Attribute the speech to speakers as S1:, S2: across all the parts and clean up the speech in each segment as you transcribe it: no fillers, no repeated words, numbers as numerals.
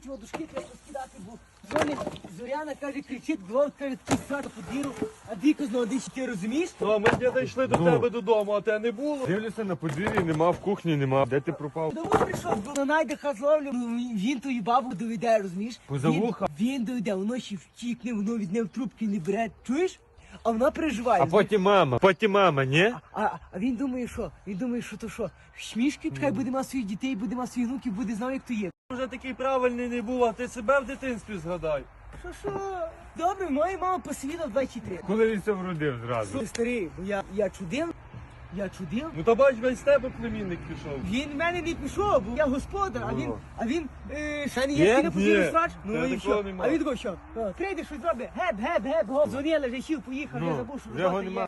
S1: ті водушки треба розкидати, бо дзвонить Зоряна, каже, кричить, Глот, каже, такий сад по діру, а Діко знову дичі, ти розумієш?
S2: Ну, а ми з діда йшли до тебе додому, а те не було.
S3: Дивлюся на подвір'ї, нема, в кухні нема. Де ти пропав?
S1: Домой прийшов, бо найде хазловлю, він тою бабу доведе, розумієш?
S3: Поза вуха?
S1: Він доведе, воно ще втікне, воно від неї в трубки не бере, чуєш? А вона переживає.
S3: А потім мама, ні?
S1: А він думає, що? Він думає, що то що? Шмішки, хай буде мати своїх дітей, буде мати своїх внуків, буде знав, як то є.
S2: Вже такий правильний не був, а ти себе в дитинстві згадай.
S1: Що? Добре, моя мама посвіла 23.
S3: Коли він це вродив зразу?
S1: Ти старий, бо я чудив.
S2: Ну то бач, весь тебе племінник пішов.
S1: Він в мене не пішов, бо я господар, а він ще не
S2: Є?
S1: є, не подивив срач.
S2: Та
S1: Ну і
S2: такого
S1: що?
S2: нема.
S1: А він такий, що? Прийде щось зробить, геп, гоп, дзвонили, вже сів, поїхав, я забув, що
S3: його
S1: робота
S3: нема.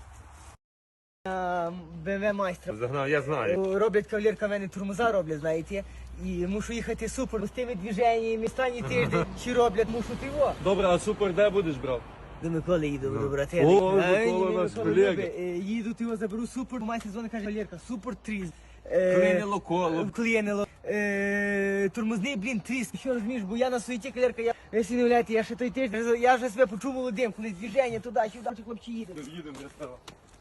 S1: є. БМВ майстра.
S3: Загнав, я знаю.
S1: Роблять кавалерка, в мене тормоза роблять, знаєте. І мушу їхати супер, з тими движеннями, останній тиждень, чи роблять, мушу триво.
S2: Добре, а супер де будеш брав?
S1: До Миколи їду, до братини.
S2: О, Микола наш колега.
S1: Їду, його заберу супер, майстер дзвонить, каже, Валерка, супер тріс.
S2: Клинило коло.
S1: Вклинило. Тормозний, блін, тріс. Що розумієш, бо я на суєті, кавалерка, ви собі не уявляєте, я ще той тиждень, я вже себе почув молодим, коли движення туди-сюди, чи хлопці їде.
S2: Їдемо, я став.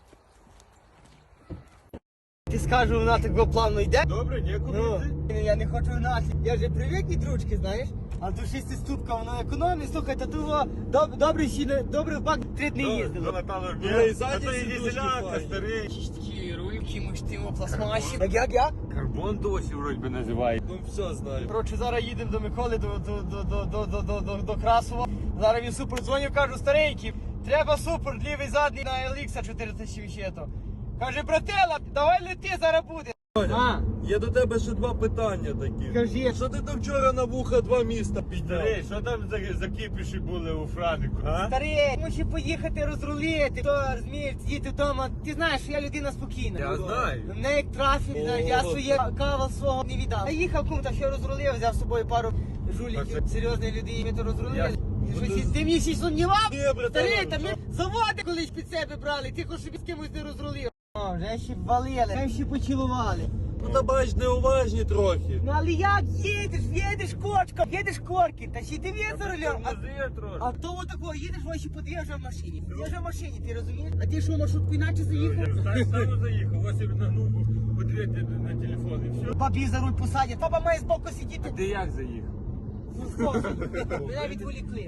S1: Ти скажу, вона так плавно йде.
S2: Добре, нікуди йти.
S1: Я не хочу гнати. Я вже привик від ручки, знаєш. А до 6 ступка воно економить, слухай, та того добре в бак 3 дні їздило.
S3: Напевно,
S2: Ну, і ззаді сидушки
S3: дізеляка,
S2: файні.
S3: старий.
S1: Такі рульки, муштимо, пластмасі. Як?
S3: Карбон досі вроді би називає.
S2: Ну все знаю.
S1: Коротше, зараз їдемо до Миколи, до Красова. Зараз він супер дзвонив, кажу, старенький, треба супер, лівий задній на LX 4000. Каже, братела, давай лети, зараз буде.
S2: Є до тебе ще два питання такі.
S1: Кажи.
S2: Що ти там вчора на вуха два міста підняв?
S3: Старий, що там за кіпіші були у Франику, а?
S1: Старий, мусі поїхати розрулити, то розумієш, сидіти вдома. Ти знаєш, що я людина спокійна.
S2: Я знаю.
S1: Мене як трафік, знаєш, я своє кава свого не віддав. Я їхав кому, та що розрулив, взяв з собою пару жуліків, серйозної людини, ми то розрулили. Ти мені ще сумнівав?
S2: Ні, брателло,
S1: Старий, та ми заводи колись під себе брали, ти хоч собі з кимось не розрулив. О, вже ще валили, вже ще поцілували.
S2: Ну та бач, неуважні трохи.
S1: Ну але як їдеш кочка, їдеш корки, та ще ти за рулем. А то отако, їдеш, ось подвіжджав в машині. Подвіжджав в машині, ти розумієш? А ти що, маршрутку іначе заїхав?
S3: Так само заїхав, ось на ногу подивити на телефон і все.
S1: Бабі за руль посадять, папа має збоку сидіти.
S3: Ти як заїхав?
S1: Ну схоже, мене відволікли.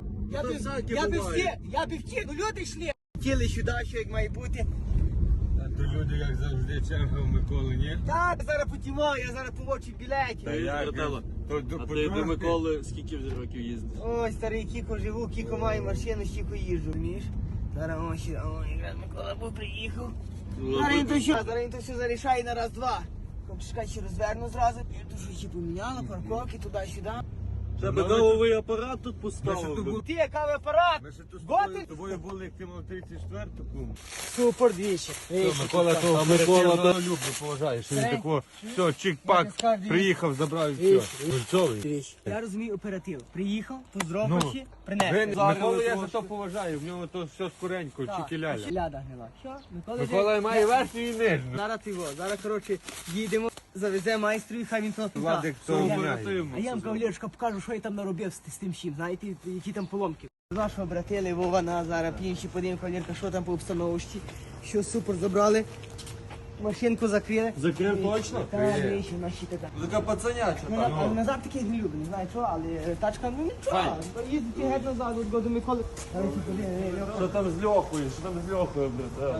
S1: Я би втік, ну люди йшли. Тіли сюди, що як має бути.
S3: А то люди, як завжди, черга в Миколи, ні?
S1: Так, я зараз потімаю, я зараз помочу білеті.
S2: Брателло, а ти до Миколи скільки вже років їздиш?
S1: Ой, старий Кіко живу, Кіко маю машину, Кіко їжджу, розумієш? Зараз ось, якраз Микола був приїхав. Зараз він то все зарішає на раз-два. Чекай, ще розверну зразу. Я то що поміняла, парковки туди-сюди.
S2: Тебе кавовий апарат тут поставив. би.
S1: Ти, кавий апарат!
S3: Ми ще тут
S1: Готель?
S3: з тобою були, як ти мав 34-ту.
S1: Супер двічі.
S3: Микола того
S2: А Микола,
S3: оперативного люблю, поважаю, що він
S1: Старий.
S3: такого, все, чик-пак, приїхав, забрав і все. Гульцовий.
S1: Я розумію оператив. Приїхав, поздоровавши, принесли.
S3: Микола я за то поважаю, в нього то все скоренько, чики-ляля.
S1: Ляда гнила. Що?
S3: Микола має верхню і нижню.
S1: Зараз його, коротше, їдемо, завезе майстру і хай він то
S3: Владик
S1: туди.
S3: то
S1: Я-
S3: міняє.
S1: А я вам, кавалерочка, покажу, що я там наробив з тим всім, знаєте, які там поломки. Нашого братили Вована, зараз інші подивимо, кавалерка, що там по обстановочці. Що супер, забрали, машинку закрили.
S2: Закрив точно?
S1: Так, вещи, наші така.
S2: Така пацаняча.
S1: А назад таких не люблю, не знаю чого, але тачка, ну нічого, їздити геть назад, от году Миколи.
S2: Що там з Льохою? Що там з Льохою, брателло?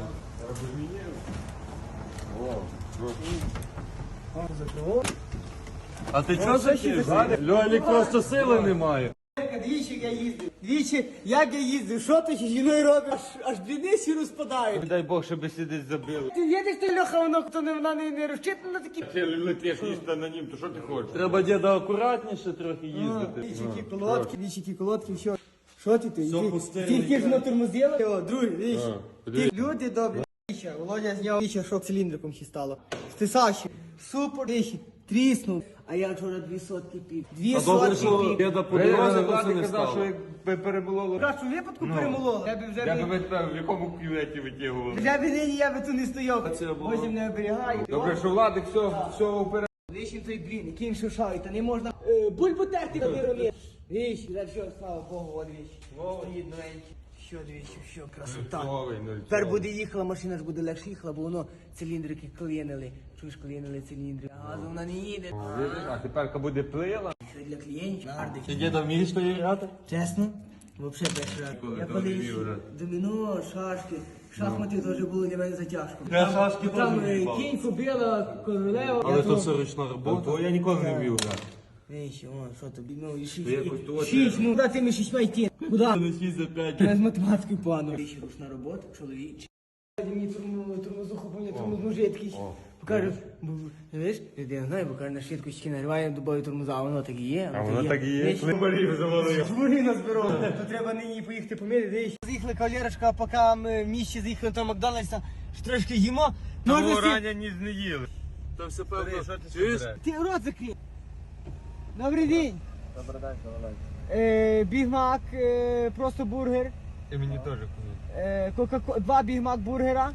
S2: А ти чого закрив? Льолік просто сили немає.
S1: Двічі я їздив. Двічі, як я їздив, що ти ще жіною робиш? Аж двіниці розпадають.
S3: Дай Бог, щоб сидить забили.
S1: Ти їдеш, ти Льоха, вона не розчитана на такі.
S3: Ти летиш їсти на нім, то що ти хочеш?
S2: Треба діда акуратніше трохи їздити.
S1: Двічі ті колодки, все. Що ти?
S2: Все пустили.
S1: Тільки ж на тормозила. О, другий, видиш?
S3: подивись.
S1: Ті люди добрі. Віча, Володя зняв віча, що циліндриком ще стало. Стисавши. Супер, вічі. Тріснув. А я вчора 2 сотки пів. 2
S2: А добре,
S1: сотки
S2: що
S1: пів.
S2: діда по дорозі
S3: Владик
S2: просто не
S3: казав, що
S2: стало.
S3: якби перебуло.
S1: В кращому випадку перемололо. Я би вже
S3: Я би тебе в якому кюветі витягував.
S1: Вже би нині я би тут не стояв.
S2: Це було.
S1: Потім не оберігаю.
S3: Добре, що Владик все вперед.
S1: Вишів той блін, який він шушає, та не можна Бульбу терти на вирони. Віч, все, слава Богу, от віч. Стоїть новенький. Що, дивіться, що, красота. Тепер буде їхала, машина ж буде легше їхала, бо воно циліндрики клинили. Чуєш, клинили циліндри. Газу вона не їде.
S2: А тепер буде плила.
S1: Що для клієнтів? Нардик.
S2: Ти діда вмієш грати?
S1: Чесно? Вообще перший раз. Я колись доміно, шашки, шахмати теж було для мене затяжко.
S2: Я шашки
S1: Там
S2: теж не
S1: кінь, кобила, королева.
S2: Але то все ручна робота. Я ніколи не вмів грати.
S1: Вещи, о, що тобі, ну, і
S2: якось то
S1: шість, ну, куди тими шістьма йти? Куди?
S2: На 6 за 5.
S1: Я з математикою пану. Вещи, ручна робота, чоловічі. Мені тормозуху, мені тормозну жидкість. Покажу, знаєш, я не знаю, бо каже, на швидкості нариває дубові тормоза, а воно так і є.
S2: А воно так і є. Марію завалив.
S1: Маріна зберу. То треба нині поїхати помити, дивись. Заїхали кавалерочка, поки ми в місті заїхали до Макдональдса, що трошки їмо.
S2: Того рання ніж не їли. Там все певно. Чуєш?
S1: Ти рот закрив. Добрий день.
S2: Добрий день, давай.
S1: Бігмак, просто бургер.
S3: І мені теж куди.
S1: 2 бігмак бургера.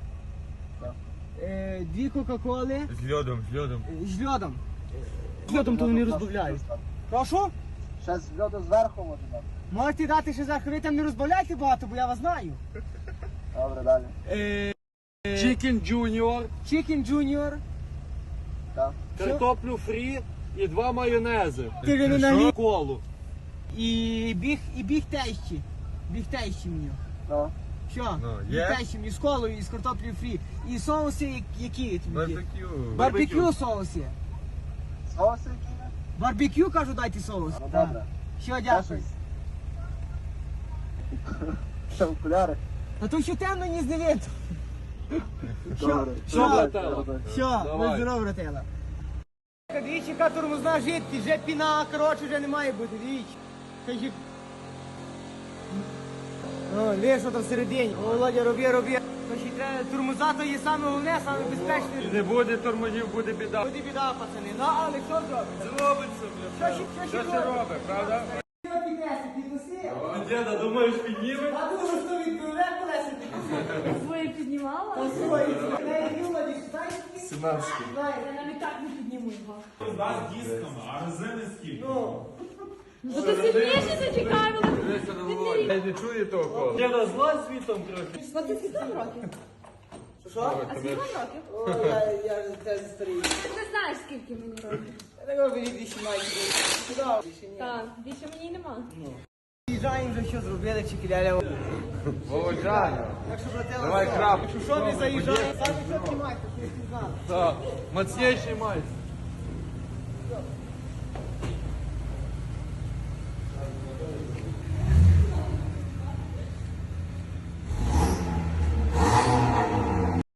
S1: 2 кока-коли.
S3: З льодом.
S1: З льодом. З льодом то вони розбавляють. Прошу?
S4: Ще з льоду зверху може дати.
S1: Можете дати ще зверху, ви там не розбавляйте багато, бо я вас знаю.
S4: Добре, далі.
S2: Чікен Джуніор,
S1: Chicken Junior.
S4: Так.
S2: картоплю фрі і 2 майонези.
S1: Ти вже не наліз.
S2: Колу.
S1: І біг тещі. Біг тещі мені.
S4: Ну.
S1: Що?
S3: Ну,
S1: Біг
S3: є?
S1: тещі мені з колою і з картоплею фрі. І соуси які тобі? є?
S3: Барбекю.
S1: Барбекю соуси.
S4: Соуси які є?
S1: Барбекю, кажу, дайте соус.
S4: Ну,
S1: Так.
S4: добре.
S1: Що,
S4: Ще
S1: дякую.
S4: щось? Ще окуляри?
S1: А то що темно ні не видно.
S4: Добре.
S2: Що, братела?
S1: Все,
S2: Давай.
S1: на здорово, братела. Двічі, яка тормозна жидкість, вже піна, коротше, вже не має бути, двічі. Кажі. О, лиш, що там всередині. О, Володя, роби. Значить, треба, тормоза то є саме головне, саме безпечне.
S2: Не буде тормозів, буде біда.
S1: Буде біда, пацани. Ну, але що зробить?
S2: Зробиться, бля.
S1: Що ще
S2: робить, правда?
S1: піднесе, підноси.
S2: Діда, думаєш, підніме?
S1: А думаю, що відповідає колеса піднесе.
S5: Своє піднімала?
S1: Та свої, не Юла, діждай.
S2: 17.
S5: Я навіть так не підніму його.
S1: Ну,
S5: Ну ти сильніше зацікавила.
S2: Я не чую того кола. Діда, зла світом трохи.
S5: А ти скільки вам років?
S1: що?
S5: А скільки вам років?
S1: О, я ж теж старий.
S5: Ти не знаєш, скільки мені років.
S1: Я такого більше маю. Куди? Більше ні.
S5: Так, більше мені нема.
S1: Заїжджаємо вже, що зробили, чекіляля.
S2: Володя.
S1: Так що, братела,
S2: Давай
S1: все.
S2: крап.
S1: Якщо що, ви заїжджаєте, самі що знімайте, що не знали.
S2: Так, мацніший майстер.